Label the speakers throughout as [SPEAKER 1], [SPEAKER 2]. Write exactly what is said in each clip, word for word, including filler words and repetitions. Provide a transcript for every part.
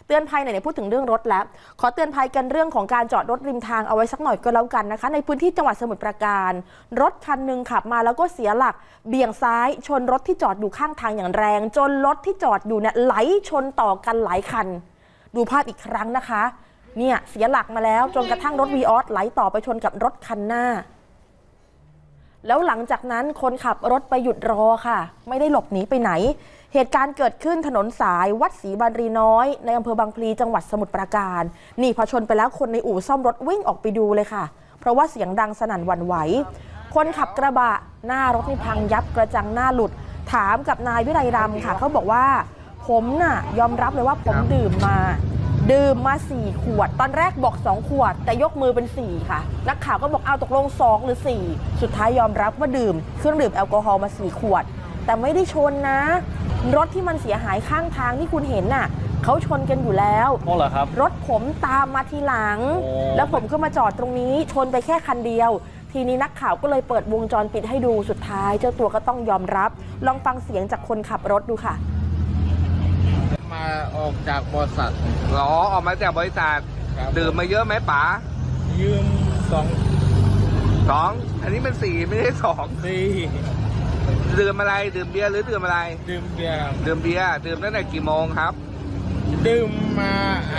[SPEAKER 1] เตือนภัยไหนๆพูดถึงเรื่องรถแล้วขอเตือนภัยกันเรื่องของการจอดรถริมทางเอาไว้สักหน่อยก็แล้วกันนะคะในพื้นที่จังหวัดสมุทรปราการรถคันหนึ่งขับมาแล้วก็เสียหลักเบี่ยงซ้ายชนรถที่จอดอยู่ข้างทางอย่างแรงจนรถที่จอดอยู่เนี่ยไหลชนต่อกันหลายคันดูภาพอีกครั้งนะคะเนี่ยเสียหลักมาแล้วจนกระทั่งรถวีออสไหลต่อไปชนกับรถคันหน้าแล้วหลังจากนั้นคนขับรถไปหยุดรอค่ะไม่ได้หลบหนีไปไหนเหตุการณ์เกิดขึ้นถนนสายวัดศรีบารีน้อยในอำเภอบางพลีจังหวัดสมุทรปราการนี่พอชนไปแล้วคนในอู่ซ่อมรถวิ่งออกไปดูเลยค่ะเพราะว่าเสียงดังสนั่นหวั่นไหวคนขับกระบะหน้ารถนี่พังยับกระจังหน้าหลุดถามกับนายวิไลรำค่ะเขาบอกว่าผมน่ะยอมรับเลยว่าผมดื่มมาดื่มมาสี่ขวดตอนแรกบอกสองขวดแต่ยกมือเป็นสี่ค่ะนักข่าวก็บอกเอาตกลงสองหรือสี่สุดท้ายยอมรับว่าดื่มเครื่องดื่มแอลกอฮอล์มาสี่ขวดแต่ไม่ได้ชนนะรถที่มันเสียหายข้างทางที่คุณเห็นน่ะเขาชนกันอยู่แล้ว
[SPEAKER 2] อ๋อเหรอครับ
[SPEAKER 1] รถผมตามมาทีหลังแล้วผมก็มาจอดตรงนี้ชนไปแค่คันเดียวทีนี้นักข่าวก็เลยเปิดวงจรปิดให้ดูสุดท้ายเจ้าตัวก็ต้องยอมรับลองฟังเสียงจากคนขับรถดูค่ะ
[SPEAKER 3] มาออกจากบริษัท
[SPEAKER 4] หรอออกมาจากบริษัทดื่มมาเยอะไหมป๋า
[SPEAKER 3] ยืมสอง
[SPEAKER 4] สองอันนี้มันสี่ไม่ใช่สอง
[SPEAKER 3] สี่
[SPEAKER 4] ดื่มอะไรดื่มเบียร์หรือดื่มอะไร
[SPEAKER 3] ดื่มเบียร์
[SPEAKER 4] ดื่มเบียร์ดื่มตั้งแต่กี่โมงครับ
[SPEAKER 3] ดื่มมาไอ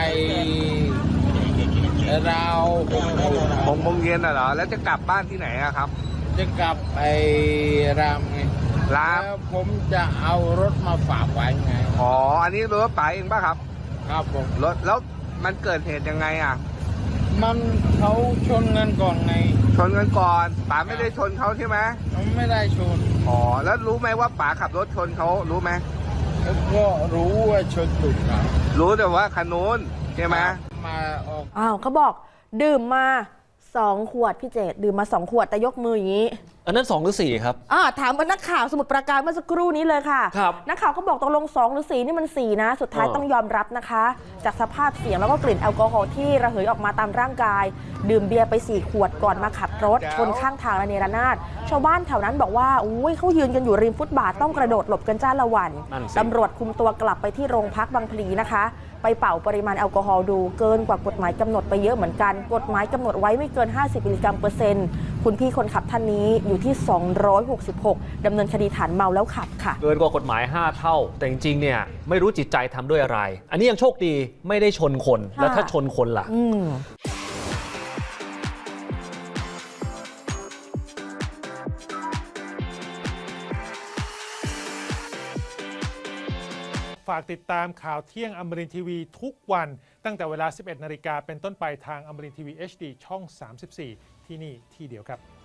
[SPEAKER 3] เรา
[SPEAKER 4] หกโมงเย็นเหรอแล้วจะกลับบ้านที่ไหนอะครับ
[SPEAKER 3] จะกลับไอรามไง
[SPEAKER 4] ราม
[SPEAKER 3] แล้วผมจะเอารถมาฝากไว้ไง
[SPEAKER 4] อ๋ออันนี้รถป๋าเองป่ะครับ
[SPEAKER 3] ครับผม
[SPEAKER 4] รถแล้วมันเกิดเหตุยังไงอ่ะ
[SPEAKER 3] มันเขาชนกันก่อนไง
[SPEAKER 4] ชนกันก่อนป๋าไม่ได้ชนเขาใช่ไหม
[SPEAKER 3] ไม่ได้ชน
[SPEAKER 4] อ๋อแล้วรู้ไหมว่าป๋าขับรถชนเขารู้ไหม
[SPEAKER 3] ก็รู้ว่าชนถูกครับ
[SPEAKER 4] รู้แต่ว่าคันนู้นใช่ไหม
[SPEAKER 3] มาออก
[SPEAKER 1] อ้าวเขาบอกดื่มมาสองขวดพี่เจตดื่มมาสองขวดแต่ยกมืออย่างนี้
[SPEAKER 2] อันนั้นสองหรือสี่ครับ
[SPEAKER 1] อ่าถามนักข่าวสมุทรปราการเมื่อสักครู่นี้เลยค่ะ
[SPEAKER 2] ครับ
[SPEAKER 1] นักข่าวก็บอกตกลงสองหรือสี่นี่มันสี่นะสุดท้ายต้องยอมรับนะคะจากสภาพเสียงแล้วก็กลิ่นแอลกอฮอล์ที่ระเหยออกมาตามร่างกายดื่มเบียร์ไปสี่ขวดก่อนมาขับรถชนข้างทางระเนระนาดชาวบ้านแถวนั้นบอกว่าอุ้ยเขายืนกันอยู่ริมฟุตบาทต้องกระโดดหลบกันจ้าละวันตำรวจคุมตัวกลับไปที่โรงพักบางพลีนะคะไปเป่าปริมาณแอลกอฮอล์ดูเกินกว่ากฎหมายกำหนดไปเยอะเหมือนกันกฎหมายกำหนดไว้ไม่เกินห้าสิบมิลลิกรัมเปอร์เซ็นต์คุณพี่คนขับท่านนี้อยู่ที่สองร้อยหกสิบหกดำเนินคดีฐานเมาแล้วขับค่ะ
[SPEAKER 2] เกินกว่ากฎหมายห้าเท่าแต่จริงๆเนี่ยไม่รู้จิตใจทำด้วยอะไรอันนี้ยังโชคดีไม่ได้ชนคนแล้วถ้าชนคนล่ะ
[SPEAKER 5] ฝากติดตามข่าวเที่ยงอมรินทร์ทีวีทุกวันตั้งแต่เวลา สิบเอ็ดนาฬิกาเป็นต้นไปทางอมรินทร์ทีวี เอช ดี ช่อง สามสิบสี่ ที่นี่ที่เดียวครับ